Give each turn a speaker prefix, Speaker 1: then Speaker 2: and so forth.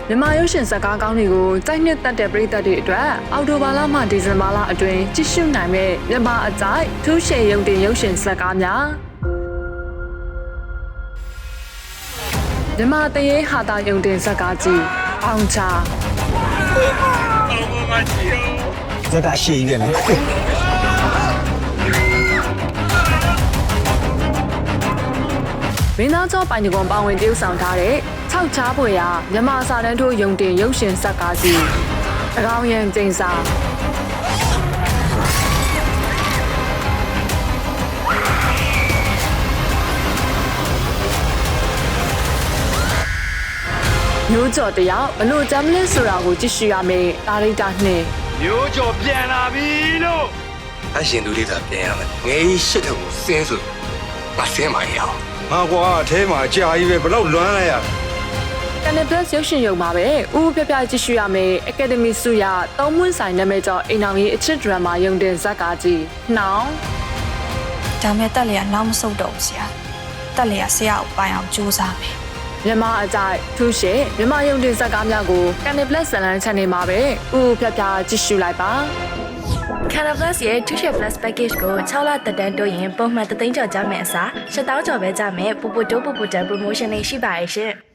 Speaker 1: မြန်မာရုပ်ရှင်ဇာတ်ကားကောင်းတွေကိုစိုက်နှစ်သက်တဲ့ပရိသတ်တွေအတွက်အောက်တိုဘာလမှဒီဇင်ဘာလအတွင်းကြည့်ရှုနိုင်မဲ့မြန်မာအကြိုက်ထူးရှည်ရုပ်တင်ရုပ်ရှင်ဇာတ်ကားများမြန်မာတရေဟာတာရုပ်တင်ဇာတ်ကားကြီးအောင်ချာ
Speaker 2: ဇာတ်ကားရှိနေတယ်
Speaker 1: မင်းသားကျော်ပိုင်ကွန်ပါဝင်တရုပ်ဆောင်ထားတဲ့၆ချားပွေရာမြန်မာစာတန်းထိုးရုံတင်ရုပ်ရှင်ဇာတ်ကားကြီးအကောင်ရန်ကျင်းစာမျိုးကျော်တယောက်ဘလို့ဂျမ်လစ်ဆိုတာကိုကြည့်ရှုရမယ်တာရိတာနှင့်
Speaker 3: မျိုးကျော်ပြန်လာပြီလို့
Speaker 4: အရှင်သူလေးသာပြန်ရမယ်ငယ်ကြီးရှစ်ထုံကိုစင်းဆိုမဆင်းမရအောင်
Speaker 3: ငါကွာအထဲမှာကြာကြီးပဲဘလို့လွမ်းလိုက်ရ
Speaker 1: Canal Plus ရုပ်ရှင်ရုံမှာပဲဦးပြပြကြည့်ရှုရမယ် Academy ဆုရသုံးမွန်းဆိုင်နာမည်ကျော်အိမ်အောင်ကြီးအချစ်ဒရမာရုံတင်ဇာတ်ကားကြီးနှောင်း
Speaker 5: ဒါမဲ့တက်လျာနောက်မဆုတ်တော့ဘူးဆရာတက်လျာဆရာကိုပိုင်အောင်ကြိုးစားမယ်
Speaker 1: မြန်မာအကြိုက်ထူးရှည်မြန်မာရုံတင်ဇာတ်ကားများကို Canal Plus ဇာတ်လမ်း channel မှာပဲဦးပြပြကြည့်ရှုလိုက်ပါ
Speaker 6: Canal Plus ရဲ့ 2share Plus package ကို6လတက်တန်းတိုးရင်ပုံမှန်3သိန်းကျော်ကြမယ်အစား7,000ကျော်ပဲကြမယ်ပူပူတိုးပူပူတန် promotion လေးရှိပါရဲ့ရှင်